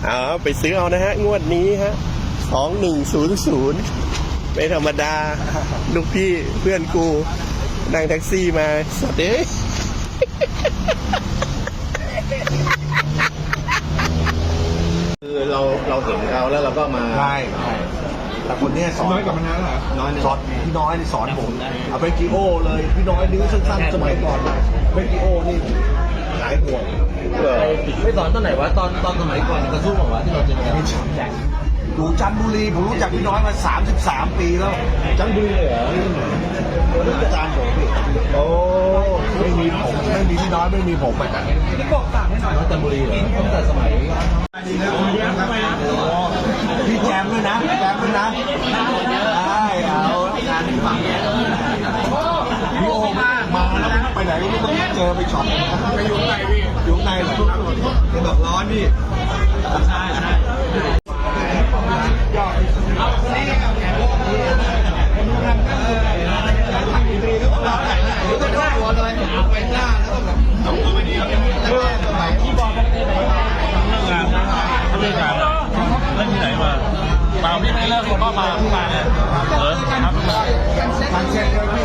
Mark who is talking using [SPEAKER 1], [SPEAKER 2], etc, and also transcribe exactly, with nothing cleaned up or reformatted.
[SPEAKER 1] เอาไปซื้อเอานะฮะงวดนี้ฮะสองหนึ่งศูนย์ศูนย์ไม่ธรรมดาลูกพี่เพื่อนกูนั่งแท็กซี่มาสวัสดีคือเราเราเห็นเขาแล้วเราก็มา
[SPEAKER 2] ใช่แต่คนนี้สอน
[SPEAKER 3] น้อยกว่ามันนั้นเหรอ
[SPEAKER 2] น้อยสอนพี่น้อยนี่สอนผมเอาเบกิโอเลยพี่น้อยนิ้วสั้นๆสมัยก่อนเบกิโอนี่หายห่วง
[SPEAKER 4] ไม่สอนตอนไหนวะตอนตอนสมัยก่อนกระสู้บอกว่าที่เราเจอกัน
[SPEAKER 2] อยู่จันทบุรีผมรู้จักพี่น้อยมาสามสิบสามปีแล้ว
[SPEAKER 4] จันทบุรีเลยเหรอ
[SPEAKER 2] รู้จักอาจารย์ผมโอ้ไม่มีผมไม่มีพี่น้อยไม่มีผมอ่ะ
[SPEAKER 4] พี่บอกสั่งให้หน่อยว่าจันทบุรีเหรอตั้งแต่สมัย
[SPEAKER 2] พี่แจมด้วยนะแจมด้วยนะได้เอางานฝั่งพี่โอมามาแล้วไปไหนก็ไม่ต้องเจอไปช็อป
[SPEAKER 3] ไปอยู่ไหนพี่
[SPEAKER 2] อยู่ในเหรอจะบอกร้อนพี่ใช่ใช่
[SPEAKER 3] เล่นที่ไหนมาเปล่าพี่ไม่เลิกผมก็มาเพิ่งมาเนี่ยเออครับ
[SPEAKER 2] ทางเช็ค